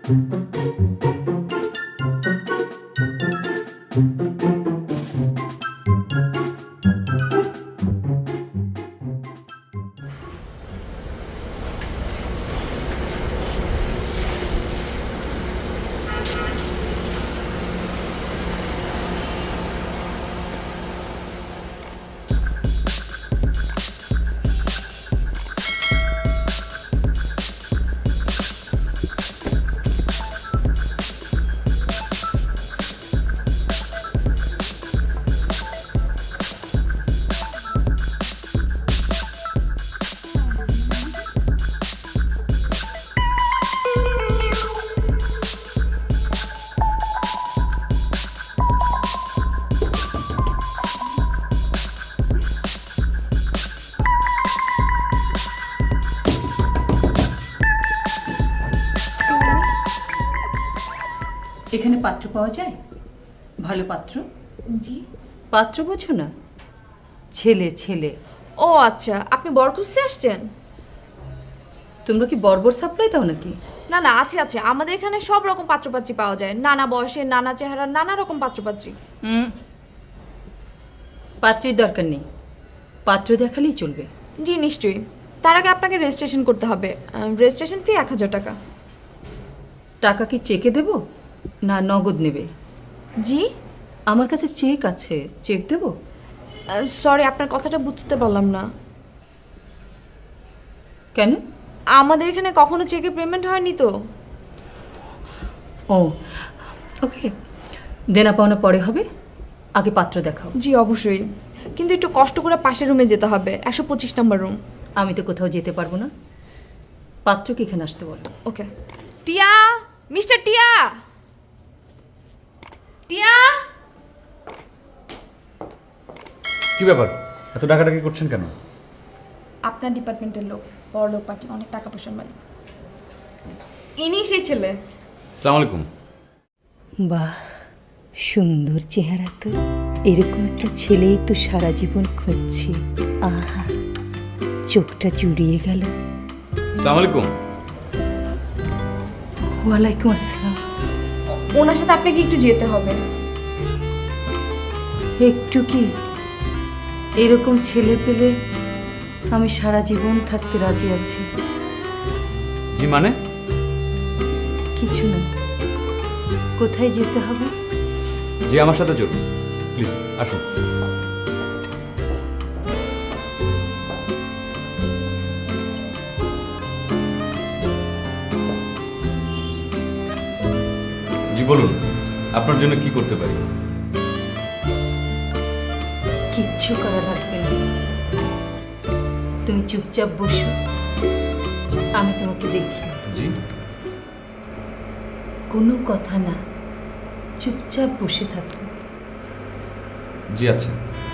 এখানে পাত্র পাওয়া যায়? ভালো পাত্র? জি। পাত্র বোঝো না? ছেলে ছেলে। ও আচ্ছা, আপনি বর খুঁজতে আসছেন? তোমরা কি বর্বর সাপ্লাই দাও নাকি? না না, আছে আছে, আমাদের এখানে সব রকম পাত্রপাত্রী পাওয়া যায়, নানা বয়সের, নানা চেহারা, নানা রকম পাত্রপাত্রী। পাত্রের দরকার নেই, পাত্র দেখালেই চলবে। জি নিশ্চয়ই। তার আগে আপনাকে রেজিস্ট্রেশন করতে হবে। রেজিস্ট্রেশন ফি 1000 টাকা। টাকা কি চেকে দেব না নগদ নেবে? জি? আমার কাছে চেক আছে, চেক দেব? সরি, আপনার কথাটা বুঝতে পারলাম না। কেন? আমাদের এখানে কখনো চেকে পেমেন্ট হয়নি তো। ও ওকে, দেনা পাওনা পরে হবে, আগে পাত্র দেখাও। জি অবশ্যই, কিন্তু একটু কষ্ট করে পাশের রুমে যেতে হবে, 125 নম্বর রুম। আমি তো কোথাও যেতে পারবো না, পাত্রকে এখানে আসতে বলো। ওকে। টিয়া, মিস্টার টিয়া, টিয়া। কি ব্যাপার, এত ডাকাডাকি করছেন কেন? আপনার ডিপার্টমেন্টের লোক, বড় লোক পার্টি, অনেক টাকা পয়সার মালিক, ইনি সেই ছেলে। আসসালামু আলাইকুম। বাহ, সুন্দর চেহারা তো। এরকম একটা ছেলেই তো সারা জীবন খুঁজছি। আহা, চোখটা জুড়িয়ে গেল। আসসালামু আলাইকুম। ওয়ালাইকুম আসসালাম। ওনার সাথে আপনাকে একটু যেতে হবে। একটু কি? এরকম ছেলে পেলে আমি সারা জীবন থাকতে রাজি আছি। জি মানে? কিছু না, কোথায় যেতে হবে? জি আমার সাথে চলুন প্লিজ, আসুন। জি বলুন, আপনার জন্য কি করতে পারি? কিচ্ছু করা লাগবে না, তুমি চুপচাপ বসো, আমি তোমাকে দেখি। জি কোনো কথা না, চুপচাপ বসে থাকো। জি আচ্ছা।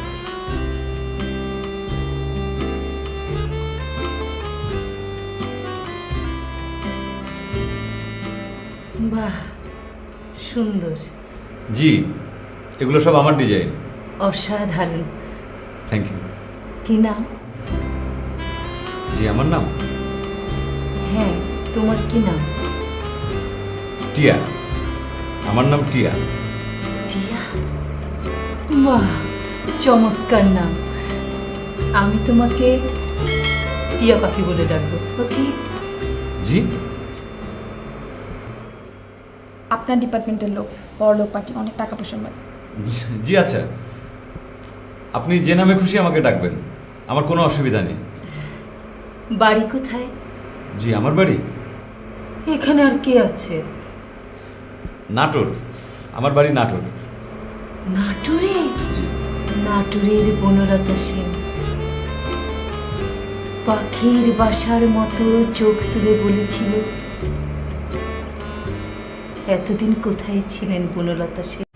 বাহ, সুন্দর। জি, এগুলো সব আমার ডিজাইন। অসাধারণ। Thank you. কি নাম? জি আমার নাম হ্যাঁ, তোমার কি নাম? টিয়া। আমার নাম টিয়া। টিয়া? বাহ, চমৎকার নাম। আমি তোমাকে টিয়া পাখি বলে ডাকবো, ওকে? জি আপনার ডিপার্টমেন্টের লোক, বড় লোক পার্টি, অনেক টাকা পয়সার মালিক। জি আচ্ছা, আপনি যে নামে খুশি আমাকে ডাকবেন, আমার কোনো অসুবিধা নেই। বাড়ি কোথায়? জি আমার বাড়ি এখানে আর কে আছে? নাটোর। আমার বাড়ি নাটোর। নাটোরে? নাটোরের বনলতা সেন পাখির বাসার মতো চোখ তুলে বলেছিল, এতদিন কোথায় ছিলেন বনলতা সেন?